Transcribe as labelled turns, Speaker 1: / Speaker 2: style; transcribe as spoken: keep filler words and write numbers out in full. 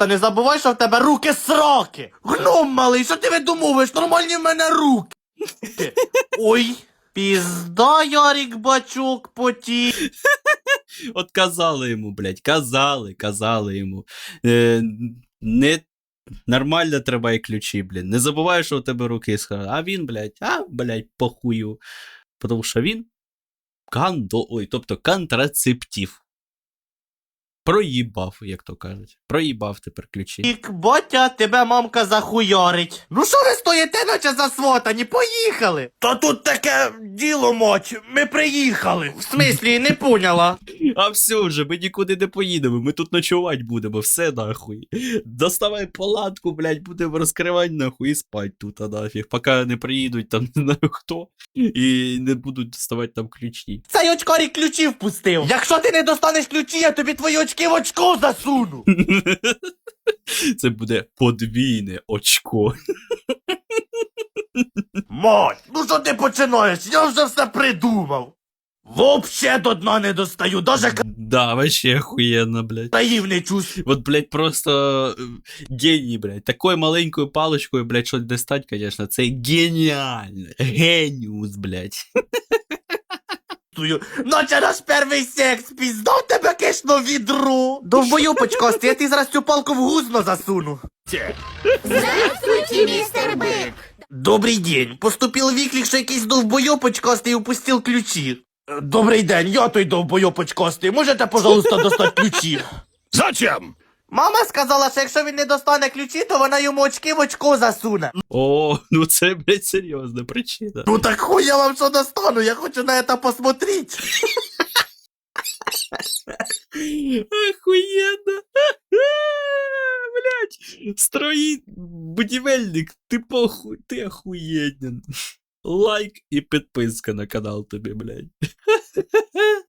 Speaker 1: Та не забувай, що в тебе руки сроки. Гном малий, що ти видумовуєш? Нормальні в мене руки. Ой, пізда, Ярик Бачок, поті.
Speaker 2: От казали йому, блядь, казали, казали йому. Е, не нормально треба і ключі, блін. Не забувай, що у тебе руки схожі. А він, блядь, а, блядь, похую. Тому що він кандо, ой, тобто контрацептив. Проїбав, як то кажуть. Проїбав тепер ключі.
Speaker 1: Ік, Ботя, тебе мамка захуйорить. Ну що ви стоїте, наче засватані? Поїхали. Та тут таке діло, мать, ми приїхали. В смислі, не поняла.
Speaker 2: А все вже, ми нікуди не поїдемо, ми тут ночувати будемо, все нахуй. Доставай палатку, блядь, будемо розкривати нахуй і спать тут, а нафіг. Поки не приїдуть там не знаю хто, і не будуть доставати там ключі.
Speaker 1: Цей очкарик ключі впустив. Якщо ти не достанеш ключі, я тобі твої очки в очко засуну.
Speaker 2: Це буде подвійне очко.
Speaker 1: Мать, ну що ти починаєш? Я вже все придумав. Вообще до дна не достаю, даже
Speaker 2: Да, вообще охуєнно, блядь.
Speaker 1: країв не чувствую.
Speaker 2: Вот, блядь, просто е, геній, блядь. Такою маленькою паличкою, блядь, щось достать, конечно, це геніально. Геніус, блядь.
Speaker 1: Наче наш перший секс, піздав тебе кишно відро. Довбою почкости, я ти зараз цю палку в гузно засуну.
Speaker 3: Здравствуйте, мистер Бык!
Speaker 1: Добрий день. Поступив виклик, що якийсь довбойопочкастий упустив ключі. Е, Добрий день, я той довбойопочкастий. Можете, пожалуйста, достати ключі?
Speaker 4: Зачем?
Speaker 1: Мама сказала, що якщо він не достане ключі, то вона йому очки в очко засуне.
Speaker 2: О, ну це, блядь, серйозна причина.
Speaker 1: Ну так хуй я вам що достану, я хочу на це посмотреть.
Speaker 2: Охуєнно. Блядь, строїть будівельник, ти похуй, ти охуєнен. Лайк і підписка на канал тобі, блядь.